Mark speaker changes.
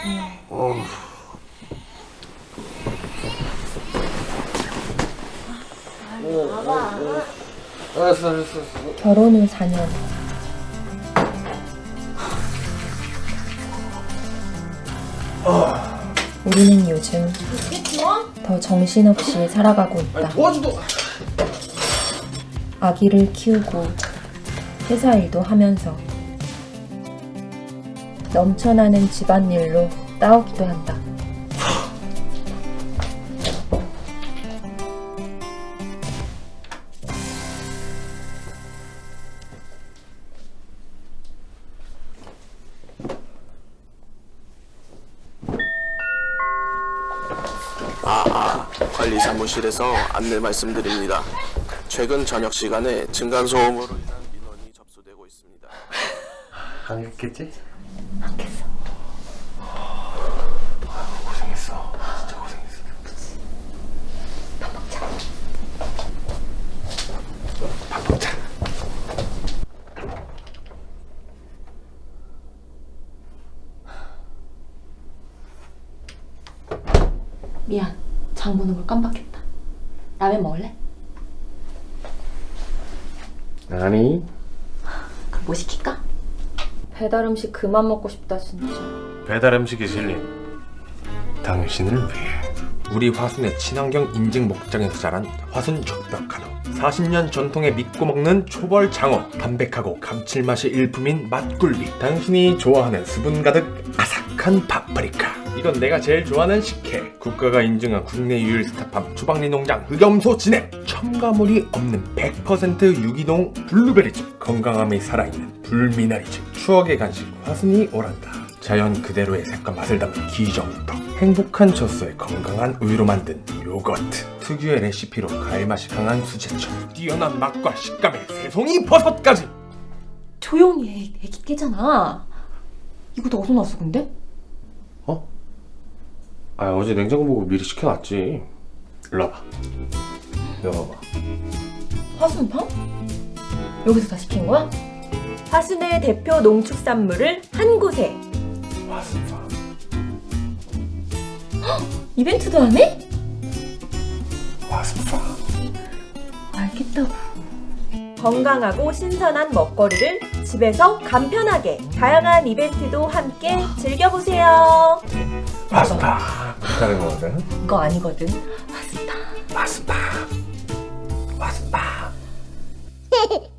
Speaker 1: 알았어.
Speaker 2: 결혼 후 4년. 우리는 요즘 더 정신없이 살아가고 있다.
Speaker 1: 도와줘도.
Speaker 2: 아기를 키우고 회사 일도 하면서 넘쳐나는 집안일로 싸우기도 한다.
Speaker 3: 관리 사무실에서 안내 말씀드립니다. 최근 저녁 시간에 층간소음으로 인한 민원이 접수되고 있습니다.
Speaker 1: 안 했겠지?
Speaker 2: 않겠어.
Speaker 1: 고생했어. 진짜 고생했어.
Speaker 2: 밥 먹자.
Speaker 1: 밥 먹자.
Speaker 2: 미안. 장 보는 걸 깜빡했다. 라면 먹을래?
Speaker 1: 아니.
Speaker 2: 그럼 뭐 시킬까? 배달 음식 그만 먹고 싶다 진짜.
Speaker 1: 배달 음식이 실린 당신을 위해.
Speaker 4: 우리 화순의 친환경 인증 목장에서 자란 화순 족벽한우. 40년 전통에 믿고 먹는 초벌 장어. 담백하고 감칠맛이 일품인 맛굴비. 당신이 좋아하는 수분 가득 아삭한 파프리카. 이건 내가 제일 좋아하는 식혜. 국가가 인증한 국내 유일 스타팜 주방리 농장 흑염소 진액. 첨가물이 없는 100% 유기농 블루베리즙. 건강함이 살아있는 불미나리즙. 추억의 간식 화순이 오란다. 자연 그대로의 색과 맛을 담은 기정떡. 행복한 젖소에 건강한 우유로 만든 요거트. 특유의 레시피로 과일맛이 강한 수제청. 뛰어난 맛과 식감의 새송이 버섯까지.
Speaker 2: 조용히 해. 애기 깨잖아. 이거 다 어디서 났어 근데?
Speaker 1: 어? 아, 어제 냉장고 보고 미리 시켜놨지. 일로 와봐. 이거 봐봐.
Speaker 2: 화순팜? 여기서 다 시킨 거야? 화순의 대표 농축산물을 한 곳에.
Speaker 1: 화순파.
Speaker 2: 이벤트도 안 해?
Speaker 1: 화순파.
Speaker 2: 알겠다고. 건강하고 신선한 먹거리를 집에서 간편하게 다양한 이벤트도 함께 즐겨보세요.
Speaker 1: 화순파. 다른 거거든.
Speaker 2: 이거 아니거든. 화순파.
Speaker 1: 화순파. 화순파.